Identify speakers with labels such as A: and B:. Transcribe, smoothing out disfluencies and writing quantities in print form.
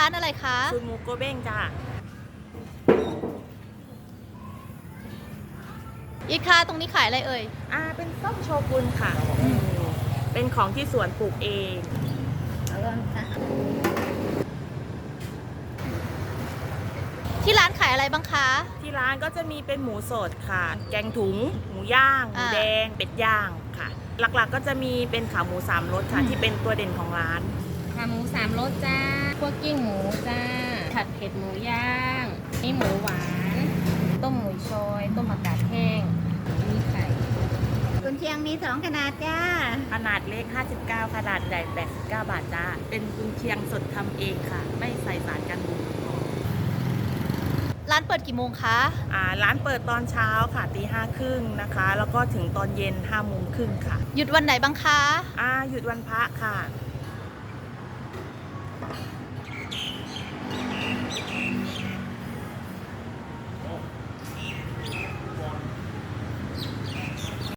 A: านอะไรคะ
B: สูตรหมูโกเบ้งจ้า
A: อีกค่ะตรงนี้ขายอะไรเอ่ย
B: เป็นส้มโชกุนค่ะเป็นของที่สวนปลูกเอง
A: ที่ร้านขายอะไรบ้างคะ
B: ที่ร้านก็จะมีเป็นหมูสดค่ะ แกงถุง หมูย่าง หมูแดง เป็ดย่างค่ะ หลักๆก็จะมีเป็นขาหมูสามรสค่ะที่เป็นตัวเด่นของร้าน
C: ขาหมูสามรสจ้าคั่วกิ้งหมูจ้า ผัดเผ็ดหมูย่าง นี่หมูหวาน ต้มหมูชอย ต้มผักกาดแห้ง มีไข่
D: กุนเชียงมี2ขนาดจ้า
B: ขนาดเล็ก 59 ขนาดใหญ่ 89 บาทจ้า เป็นกุนเชียงสดทำเองค่ะ ไม่ใส่สารกันบูด
A: ร้านเปิดกี่โมงคะ
B: ร้านเปิดตอนเช้าค่ะตี 5:30นะคะ แล้วก็ถึงตอนเย็น 5:30ค่ะ
A: หยุดวันไหนบ้างคะ
B: หยุดวันพระค่ะ